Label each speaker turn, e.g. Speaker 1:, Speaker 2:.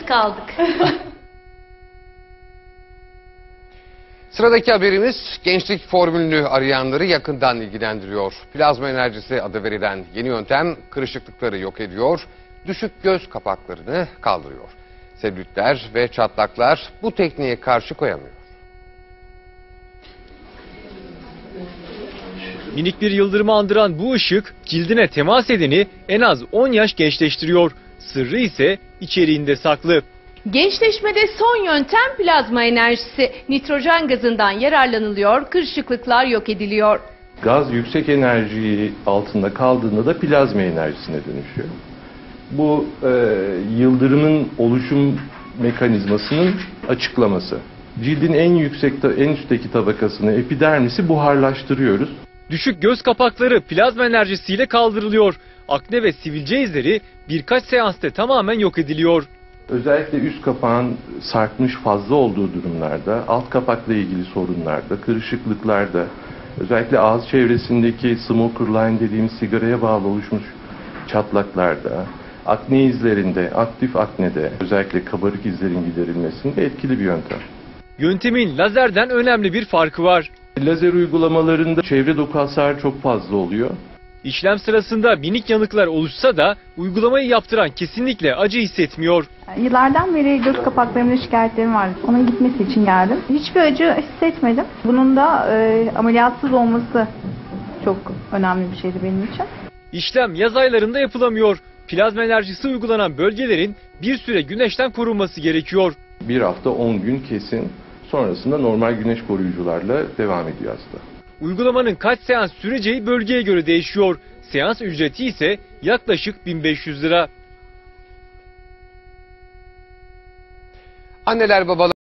Speaker 1: kaldık.
Speaker 2: Sıradaki haberimiz gençlik formülünü arayanları yakından ilgilendiriyor. Plazma enerjisi adı verilen yeni yöntem kırışıklıkları yok ediyor, düşük göz kapaklarını kaldırıyor. Selülitler ve çatlaklar bu tekniğe karşı koyamıyor.
Speaker 3: Minik bir yıldırımı andıran bu ışık cildine temas edeni en az 10 yaş gençleştiriyor. Sırrı ise içeriğinde saklı.
Speaker 1: Gençleşmede son yöntem plazma enerjisi. Nitrojen gazından yararlanılıyor, kırışıklıklar yok ediliyor.
Speaker 4: Gaz yüksek enerji altında kaldığında da plazma enerjisine dönüşüyor. Bu yıldırımın oluşum mekanizmasının açıklaması. Cildin en üstteki tabakasını, epidermisi buharlaştırıyoruz.
Speaker 3: Düşük göz kapakları plazma enerjisiyle kaldırılıyor. Akne ve sivilce izleri birkaç seansta tamamen yok ediliyor.
Speaker 4: Özellikle üst kapağın sarkmış fazla olduğu durumlarda, alt kapakla ilgili sorunlarda, kırışıklıklarda, özellikle ağız çevresindeki smoker line dediğimiz sigaraya bağlı oluşmuş çatlaklarda, akne izlerinde, aktif aknede, özellikle kabarık izlerin giderilmesinde etkili bir yöntem.
Speaker 3: Yöntemin lazerden önemli bir farkı var.
Speaker 4: Lazer uygulamalarında çevre doku hasarı çok fazla oluyor.
Speaker 3: İşlem sırasında minik yanıklar oluşsa da uygulamayı yaptıran kesinlikle acı hissetmiyor.
Speaker 5: Yıllardan beri göz kapaklarımda şikayetlerim vardı. Onun gitmesi için geldim. Hiçbir acı hissetmedim. Bunun da ameliyatsız olması çok önemli bir şeydi benim için.
Speaker 3: İşlem yaz aylarında yapılamıyor. Plazma enerjisi uygulanan bölgelerin bir süre güneşten korunması gerekiyor.
Speaker 4: Bir hafta 10 gün kesin. Sonrasında normal güneş koruyucularla devam ediyor hasta.
Speaker 3: Uygulamanın kaç seans süreceği bölgeye göre değişiyor. Seans ücreti ise yaklaşık 1500 lira.
Speaker 2: Anneler babalar